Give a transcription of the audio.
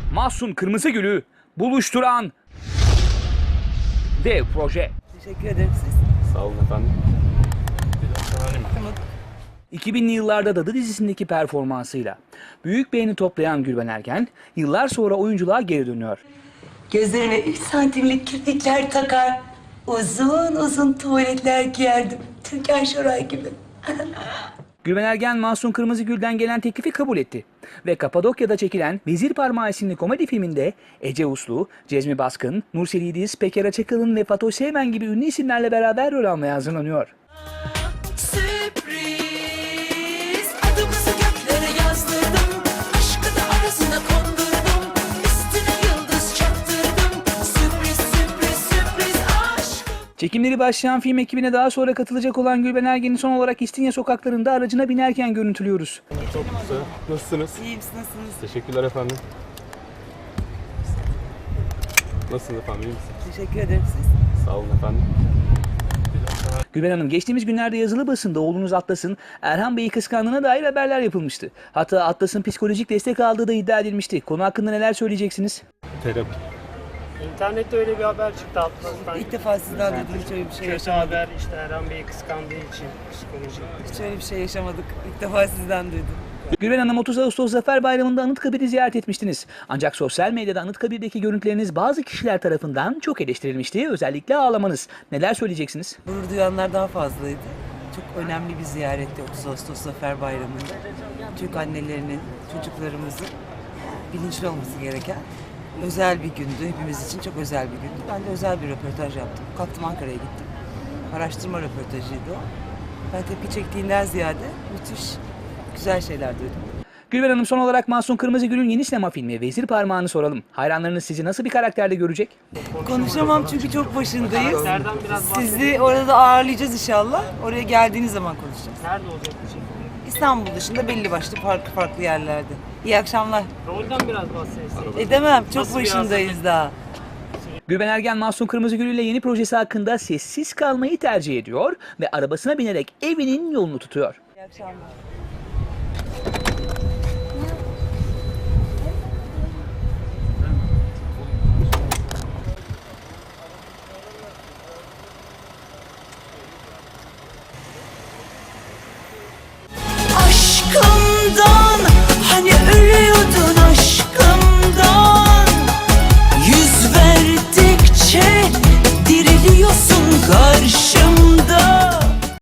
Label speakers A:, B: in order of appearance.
A: Mahsun Kırmızıgül'ü buluşturan dev proje.
B: Teşekkür ederim siz.
C: Sağ olun efendim.
A: 2000'li yıllarda Dadı dizisindeki performansıyla büyük beğeni toplayan Gülben Ergen yıllar sonra oyunculuğa geri dönüyor.
B: Gözlerine 3 santimlik kirpikler takar. Uzun uzun tuvaletler giyerdim. Türkan Şoray gibi.
A: Gülben Ergen, Mahsun Kırmızıgül'den gelen teklifi kabul etti. Ve Kapadokya'da çekilen Vezir Parmağı isimli komedi filminde Ece Uslu, Cezmi Baskın, Nursel İdiz, Peker Açıkalın ve Fatoş Sevmen gibi ünlü isimlerle beraber rol almaya hazırlanıyor.
D: Sürpriz, adımızı göklere yazdırdım, aşkı da arasına kondurdum, üstüne yıldız çaktırdım, sürpriz sürpriz sürpriz aşk.
A: Çekimleri başlayan film ekibine daha sonra katılacak olan Gülben Ergen'i son olarak İstinye sokaklarında aracına binerken görüntülüyoruz.
C: Çok güzel. Nasılsınız?
B: İyiyim, nasılsınız?
C: Teşekkürler efendim. Nasılsınız efendim? İyi misiniz?
B: Teşekkür ederim siz.
C: Sağ olun efendim.
A: Gülben Hanım, geçtiğimiz günlerde yazılı basında oğlunuz Atlas'ın Erhan Bey'i kıskandığına dair haberler yapılmıştı. Hatta Atlas'ın psikolojik destek aldığı da iddia edilmişti. Konu hakkında neler söyleyeceksiniz?
C: Terapi.
E: İnternette öyle bir haber çıktı Atlas'tan.
B: İlk defa sizden duydum, hiç öyle bir şey
E: Kötü
B: yaşamadık.
E: haber işte Erhan Bey'i kıskandığı için psikolojik.
B: Hiç öyle bir şey yaşamadık. İlk defa sizden duydum.
A: Gülben Hanım, 30 Ağustos Zafer Bayramı'nda Anıtkabir'i ziyaret etmiştiniz. Ancak sosyal medyada Anıtkabir'deki görüntüleriniz bazı kişiler tarafından çok eleştirilmişti. Özellikle ağlamanız. Neler söyleyeceksiniz?
B: Gurur duyanlar daha fazlaydı. Çok önemli bir ziyaretti 30 Ağustos Zafer Bayramı'nda. Türk annelerinin, çocuklarımızın bilinçli olması gereken özel bir gündü. Hepimiz için çok özel bir gündü. Ben de özel bir röportaj yaptım. Kalktım Ankara'ya gittim. Araştırma röportajıydı o. Ben tepki çektiğinden ziyade müthiş güzel şeyler duydum.
A: Gülben Hanım, son olarak Mahsun Kırmızıgül'ün yeni sinema filmi Vezir Parmağı'nı soralım. Hayranlarınız sizi nasıl bir karakterde görecek?
B: Konuşamam çünkü çok başındayız.
E: Nereden biraz bahsedelim?
B: Sizi orada ağırlayacağız inşallah. Oraya geldiğiniz zaman konuşacağız.
E: Nerede olacak bu çekim?
B: İstanbul dışında belli başlı farklı yerlerde. İyi akşamlar.
E: Rolden biraz bahsedelim.
B: Edemem, çok
E: Nasıl bir
B: başındayız daha.
A: Gülben Ergen, Mahsun Kırmızıgül ile yeni projesi hakkında sessiz kalmayı tercih ediyor ve arabasına binerek evinin yolunu tutuyor.
B: İyi akşamlar.